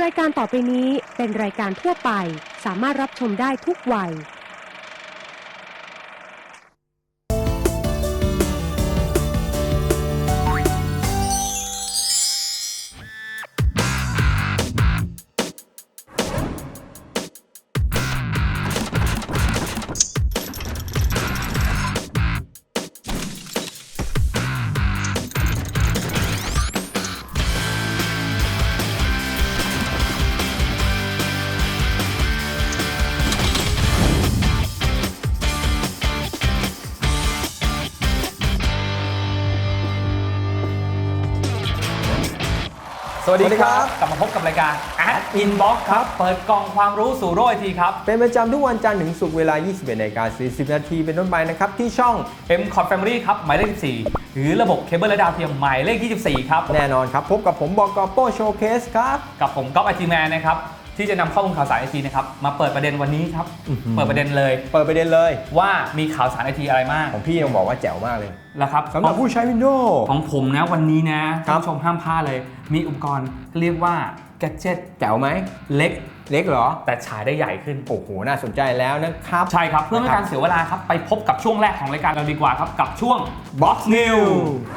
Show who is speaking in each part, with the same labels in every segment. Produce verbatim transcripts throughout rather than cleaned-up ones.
Speaker 1: รายการต่อไปนี้เป็นรายการทั่วไปสามารถรับชมได้ทุกวัย
Speaker 2: สวัสดีครับกลับมาพบกับรายการ Ad Inbox ครับเปิดกล่องความรู้สู่โลกไอทีครับ
Speaker 3: เป็นประจำทุกวันจันทร์ถึงศุกร์เวลา ยี่สิบเอ็ดนาฬิกาสี่สิบ นาทีเป็นต้นไปนะครับที่ช่อง
Speaker 2: เอ็ม คอท Family ครับหมายเลขสิบสี่หรือระบบเคเบิลและดาวเทียมหมายเลขยี่สิบสี่ครับ
Speaker 3: แน่นอนครับพบกับผมบก.โป้โชว์เคสครับ
Speaker 2: กับผมก๊อฟไอทีแมนนะครับที่จะนำข้อมูลข่าวสารไอทีนะครับมาเปิดประเด็นวันนี้ครับเปิดประเด็นเลย
Speaker 3: เปิดประเด็นเลย
Speaker 2: ว่ามีข่าวสารไอทีอะไรมาก
Speaker 3: ของพี่ยังบอกว่าแจ๋วมากเลย
Speaker 2: แล้วครับ
Speaker 3: สำหรับผู้ใช้ Windows
Speaker 2: ของผมนะวันนี้นะท่านผู้ชมห้ามพลาดเลยมีอุปกรณ์เรียกว่าแกดเจ็ต
Speaker 3: แจ๋วไหม
Speaker 2: เล็ก
Speaker 3: เล็กเหรอ
Speaker 2: แต่ฉายได้ใหญ่ขึ้น
Speaker 3: โอ้โหน่าสนใจแล้วนะครับ
Speaker 2: ใช่ครับเพื่อไม่ให้การเสียเวลาครับไปพบกับช่วงแรกของรายการเราดีกว่าครับกับช่วง Box News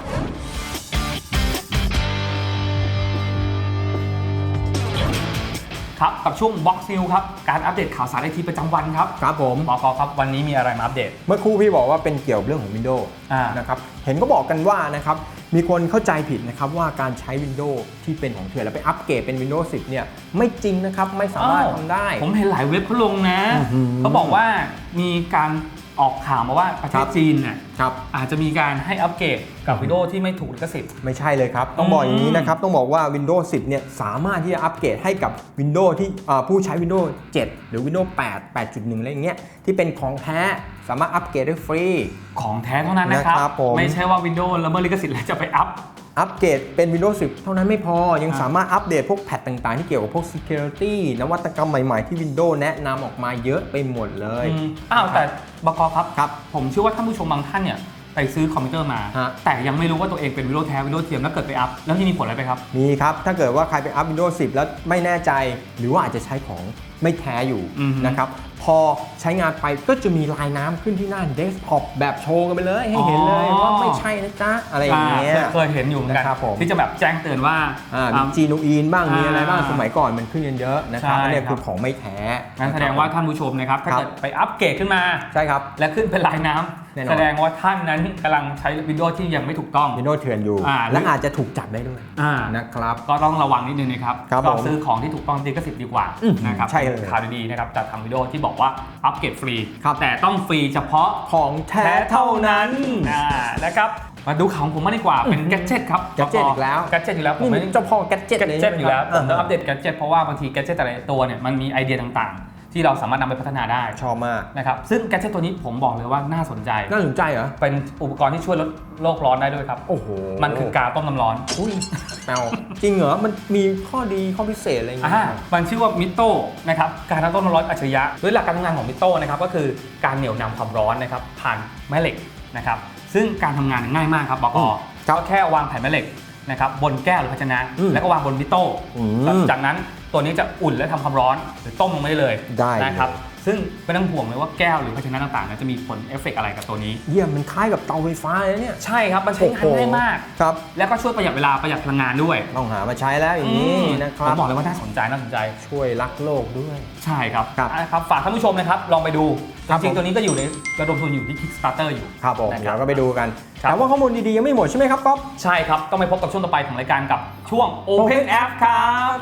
Speaker 2: ครับกับช่วง Box News ครับการอัปเดตข่าวสารไอทีประจำวันครับ
Speaker 3: ครับผม
Speaker 2: บก.ครับวันนี้มีอะไรมาอัปเดต
Speaker 3: เมื่อครู่พี่บอกว่าเป็นเกี่ยวกับเรื่องของ Windows นะครับเห็นก็บอกกันว่านะครับมีคนเข้าใจผิดนะครับว่าการใช้ Windows ที่เป็นของเถื่อนแล้วไปอัปเกรดเป็น Windows สิบเนี่ยไม่จริงนะครับไม่สามารถทำได้
Speaker 2: ผมเห็นหลายเว็บเขาลงนะเขาบอกว่ามีการออกข่าวมาว่าประเทศจีนเนี่ยอาจจะมีการให้อัปเกรดกับ Windows ที่ไม่ถูกลิขสิทธิ์
Speaker 3: ไม่ใช่เลยครับต้องบอกอย่างนี้นะครับต้องบอกว่า Windows สิบเนี่ยสามารถที่จะอัปเกรดให้กับ Windows ที่ผู้ใช้ Windows เจ็ด หรือ Windows แปด แปดจุดหนึ่ง อะไรอย่างเงี้ยที่เป็นของแท้สามารถอัปเกรดได้ฟรี
Speaker 2: ของแท้เท่านั้นนะครับไม่ใช่ว่า Windows ละเมิดลิขสิทธิ์แล้วจะไปอัพ
Speaker 3: อัปเกรดเป็น Windows สิบเท่านั้นไม่พอยังสามารถอัปเดตพวกแพทต่างๆที่เกี่ยวกับพวก Security นวัตกรรมใหม่ๆที่ Windows แนะนำออกมาเยอะไปหมดเลย
Speaker 2: อ้าวแต่บก.ครับครับผมเชื่อว่าท่านผู้ชมบางท่านเนี่ยไปซื้อคอมพิวเตอร์มาแต่ยังไม่รู้ว่าตัวเองเป็น Windows แท้ Windows เทียมแล้วเกิดไปอัพแล้วที่มีผลอะไรไปครับ
Speaker 3: มีครับถ้าเกิดว่าใครไปอัพ Windows สิบแล้วไม่แน่ใจหรือว่าอาจจะใช้ของไม่แท้อยู่นะครับพอใช้งานไปก็จะมีลายน้ำขึ้นที่หน้าเดสก์ท็อปแบบโชว์กันไปเลยให้เห็นเลยว่าไม่ใช่นะจ๊ะอะไรอย่างเงี้ย
Speaker 2: เคยเห็นอยู่เหมือนกันที่จะแบบแจ้งเตือนว่า
Speaker 3: มีจีนูอีนบ้างมีอะไรบ้างสมัยก่อนมันขึ้นเยอะๆนะครับอันนี้คือของไม่แท้
Speaker 2: งั้นแสดงว่าท่านผู้ชมนะครับถ้าเกิดไปอัปเกรดขึ้นมา
Speaker 3: ใช่ครับ
Speaker 2: และขึ้นเป็นลายน้ำแสดงว่าท่านนั้นกำลังใช้ Windows ที่ยังไม่ถูกต้อง
Speaker 3: Windows เถื่อนอยู่และอาจจะถูกจับได้ด้วยนะครับ
Speaker 2: ก็ต้องระวังนิดนึงนะครับก็ซื้อของที่ถูกต้องลิขสิทธิ์ดีกว่านะครับ
Speaker 3: ใช่เลย
Speaker 2: ข่าวดีๆนะครับจากทาง Windows ที่บอกว่าอัปเกรดฟรีแต่ต้องฟรีเฉพาะ
Speaker 3: ของแท้เท่านั้น
Speaker 2: นะครับมาดูข่าวของผมมากดีกว่าเป็นแกดเจ็ตครับ
Speaker 3: แกดเจ็ตอีกแล้ว
Speaker 2: แกดเจ็ตอยู่แล้ว
Speaker 3: ผมเป็นเจ้าพ่อแกดเจ็ต
Speaker 2: อยู่แล้วผมต้องอัปเดตแกดเจ็ตเพราะว่าบางทีแกดเจ็ตแต่ละตัวเนี่ยมันมีไอเดียต่างๆที่เราสามารถนำไปพัฒนาได้
Speaker 3: ชอบมาก
Speaker 2: นะครับซึ่งแกดเจ็ตตัวนี้ผมบอกเลยว่าน่าสนใจ
Speaker 3: น่าสนใจเหรอ
Speaker 2: เป็นอุปกรณ์ที่ช่วยลดโลกร้อนได้ด้วยครับ
Speaker 3: โอ้โห
Speaker 2: มันคือกาต้มน้ำร้อน
Speaker 3: อุ้ยเอาจริงเหรอมันมีข้อดีข้อพิเศษอะไรอย่างเงี้ย
Speaker 2: มันชื่อว่ามิโต้นะครับการต้มน้ำร้อนอัจฉริยะโดยหลักการทำงานของมิโต้นะครับก็คือการเหนี่ยวนำความร้อนนะครับผ่านแม่เหล็กนะครับซึ่งการทำงานง่ายมากครับบก.ก็แค่วางแผ่นแม่เหล็กนะครับบนแก้วหรือภาชนะแล้วก็วางบนมิโต้จากนั้นตัวนี้จะอุ่นและทำความร้อนหรือต้มลงไปได้เลยนะครับซึ่งไม่ต้องห่วงเลยว่าแก้วหรือภาชนะต่างๆจะมีผลเอฟเฟกต์อะไรกับตัวนี้
Speaker 3: เยี่ยมมันคล้ายกับเตาไฟฟ้าเลยเนี่ย
Speaker 2: ใช่ครับมันใช้งานง่ายมาก
Speaker 3: ครับ
Speaker 2: แล้วก็ช่วยประหยัดเวลาประหยัดพลังงานด้วย
Speaker 3: ต้องหามาใช้แล้วอย่างนี้นะครับ
Speaker 2: ผมบอกเลยว่าน่าสนใจน่าสนใจ
Speaker 3: ช่วยรักโลกด้วย
Speaker 2: ใช่ครับครับฝากท่านผู้ชมนะครับลองไปดูจริงๆตัวนี้ก็อยู่ในระดมทุนอยู่ที่ Kickstarter อยู่
Speaker 3: ครับผมเดี๋ยวก็ไปดูกันแต่ว่าข้อมูลดีๆยังไม่หมดใช่ไหมครับก๊อฟ
Speaker 2: ใช่ครับต้องไปพบกับช่วงต่อไปของรายการกับช่วง Open App ครับ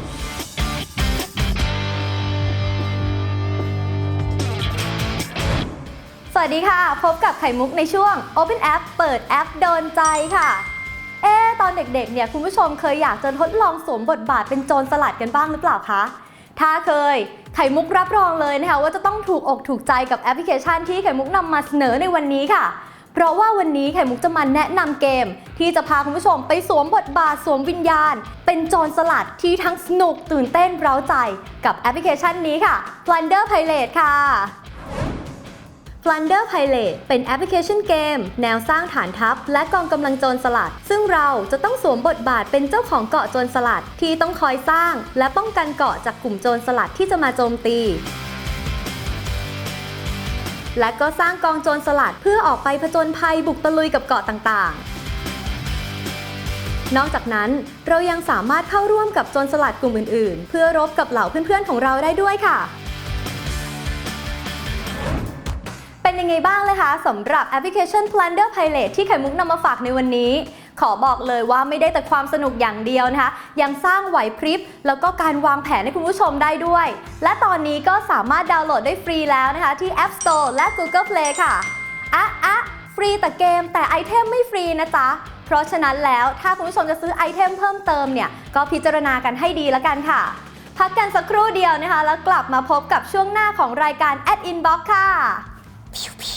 Speaker 4: สวัสดีค่ะพบกับไข่มุกในช่วง Open App เปิดแอปโดนใจค่ะเอ๊ตอนเด็กๆเนี่ยคุณผู้ชมเคยอยากจะทดลองสวมบทบาทเป็นโจรสลัดกันบ้างหรือเปล่าคะถ้าเคยไข่มุกรับรองเลยนะคะว่าจะต้องถูกอกถูกใจกับแอปพลิเคชันที่ไข่มุกนำมาเสนอในวันนี้ค่ะเพราะว่าวันนี้ไข่มุกจะมาแนะนำเกมที่จะพาคุณผู้ชมไปสวมบทบาทสวมวิญญาณเป็นโจรสลัดที่ทั้งสนุกตื่นเต้นเร้าใจกับแอปพลิเคชันนี้ค่ะ Plunder Pirate ค่ะ Plunder Pilot เป็นแอปพลิเคชันเกมแนวสร้างฐานทัพและกองกำลังโจรสลัดซึ่งเราจะต้องสวมบทบาทเป็นเจ้าของเกาะโจรสลัดที่ต้องคอยสร้างและป้องกันเกาะจากกลุ่มโจรสลัดที่จะมาโจมตีและก็สร้างกองโจรสลัดเพื่อออกไปผจญภัยบุกตะลุยกับเกาะต่างๆนอกจากนั้นเรายังสามารถเข้าร่วมกับโจรสลัดกลุ่มอื่นๆเพื่อรบกับเหล่าเพื่อนๆของเราได้ด้วยค่ะเป็นยังไงบ้างเลยคะสำหรับแอปพลิเคชัน Plunder Pilot ที่ไข่มุกนำมาฝากในวันนี้ขอบอกเลยว่าไม่ได้แต่ความสนุกอย่างเดียวนะคะยังสร้างไหวพริบแล้วก็การวางแผนให้คุณผู้ชมได้ด้วยและตอนนี้ก็สามารถดาวน์โหลดได้ฟรีแล้วนะคะที่ App Store และ Google Play ค่ะอ่ะอ่ะฟรีแต่เกมแต่ไอเทมไม่ฟรีนะจ๊ะเพราะฉะนั้นแล้วถ้าคุณผู้ชมจะซื้อไอเทมเพิ่มเติมเนี่ยก็พิจารณากันให้ดีแล้วกันค่ะพักกันสักครู่เดียวนะคะแล้วกลับมาพบกับช่วงหน้าของรายการ Ad Inbox ค่ะ